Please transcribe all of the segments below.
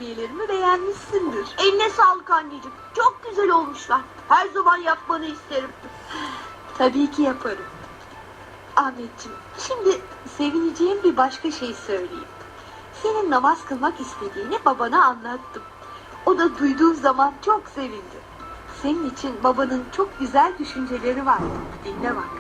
kurabiyelerimi beğenmişsindir. Eline sağlık anneciğim. Çok güzel olmuşlar. Her zaman yapmanı isterim. Tabii ki yaparım. Ahmetciğim, şimdi sevineceğim bir başka şey söyleyeyim. Senin namaz kılmak istediğini babana anlattım. O da duyduğu zaman çok sevindi. Senin için babanın çok güzel düşünceleri var. Dinle bak.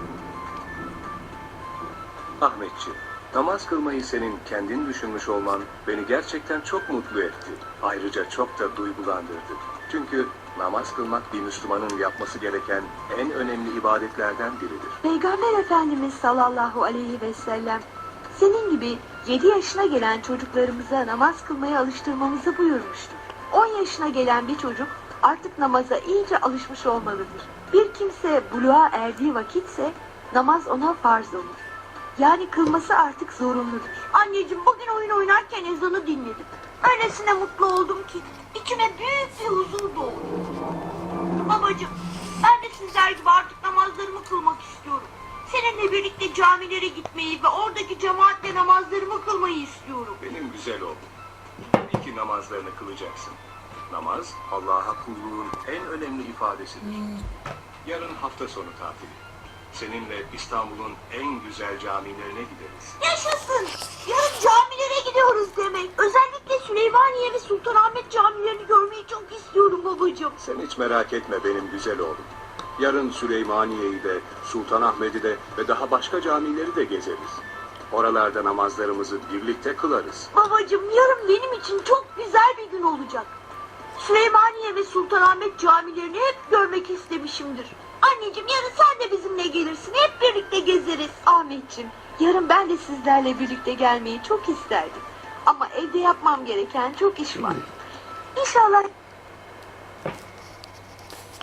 Ahmetciğim, namaz kılmayı senin kendin düşünmüş olman beni gerçekten çok mutlu etti. Ayrıca çok da duygulandırdı. Çünkü namaz kılmak bir Müslümanın yapması gereken en önemli ibadetlerden biridir. Peygamber Efendimiz sallallahu aleyhi ve sellem senin gibi 7 yaşına gelen çocuklarımıza namaz kılmaya alıştırmamızı buyurmuştur. 10 yaşına gelen bir çocuk artık namaza iyice alışmış olmalıdır. Bir kimse buluğa erdiği vakitse namaz ona farz olur. Yani kılması artık zorunludur. Anneciğim, bugün oyun oynarken ezanı dinledim. Öylesine mutlu oldum ki içime büyük bir huzur doğdu. Babacığım, ben de sizler gibi artık namazlarımı kılmak istiyorum. Seninle birlikte camilere gitmeyi ve oradaki cemaatle namazlarımı kılmayı istiyorum. Benim güzel oğlum, tabii ki namazlarını kılacaksın. Namaz, Allah'a kulluğun en önemli ifadesidir. Yarın hafta sonu tatili. Seninle İstanbul'un en güzel camilerine gideriz. Yaşasın! Yarın camilere gidiyoruz demek. Özellikle Süleymaniye ve Sultanahmet camilerini görmeyi çok istiyorum babacığım. Sen hiç merak etme benim güzel oğlum. Yarın Süleymaniye'yi de, Sultanahmet'i de ve daha başka camileri de gezeriz. Oralarda namazlarımızı birlikte kılarız. Babacığım, yarın benim için çok güzel bir gün olacak. Süleymaniye ve Sultanahmet camilerini hep görmek istemişimdir. Anneciğim, yarın sen de bizimle gelirsin. Hep birlikte gezeriz. Ahmetciğim, yarın ben de sizlerle birlikte gelmeyi çok isterdim. Ama evde yapmam gereken çok iş var. İnşallah...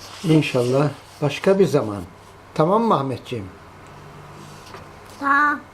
İnşallah başka bir zaman. Tamam mı Ahmetciğim? Tamam.